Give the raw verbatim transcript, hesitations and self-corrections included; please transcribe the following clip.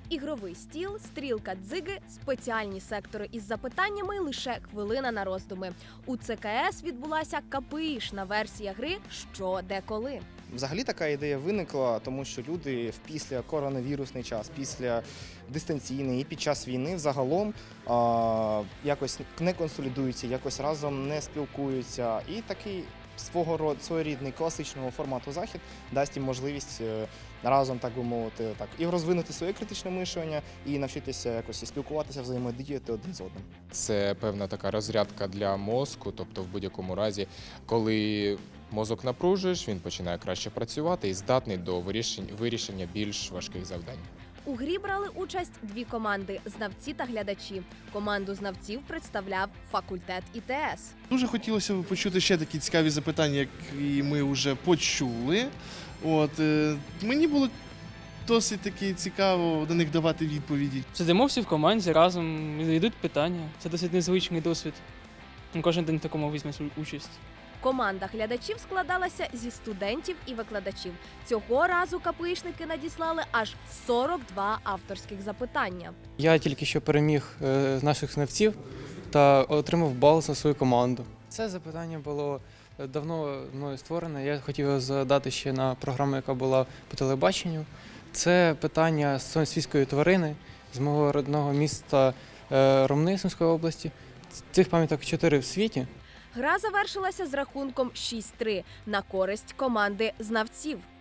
Ігровий стіл, стрілка дзиги, спеціальні сектори із запитаннями і лише хвилина на роздуми. У ЦКС відбулася КПІшна версія гри «Що, де, коли?». Взагалі така ідея виникла, тому що люди в після коронавірусний час, після дистанційний і під час війни взагалом а, якось не консолідуються, якось разом не спілкуються. І такий свого роду своєрідний класичного формату захід дасть їм можливість разом, так би мовити, так і розвинути своє критичне мислення, і навчитися якось і спілкуватися, взаємодіяти один з одним. Це певна така розрядка для мозку, тобто в будь-якому разі, коли мозок напружуєш, він починає краще працювати і здатний до вирішення більш важких завдань. У грі брали участь дві команди – знавці та глядачі. Команду знавців представляв факультет І Те Ес. Дуже хотілося б почути ще такі цікаві запитання, які ми вже почули. От, е, мені було досить таки цікаво на них давати відповіді. Сидимо всі в команді, разом йдуть питання. Це досить незвичний досвід. Кожен день в такому візьме участь. Команда глядачів складалася зі студентів і викладачів. Цього разу КПІшники надіслали аж сорок два авторських запитання. Я тільки що переміг з наших знавців та отримав бал за свою команду. Це запитання було давно мною створене. Я хотів його задати ще на програму, яка була по телебаченню. Це питання з свійської тварини з мого родного міста Ромни Сумської області. Цих пам'яток чотири в світі. Гра завершилася з рахунком шість три на користь команди знавців.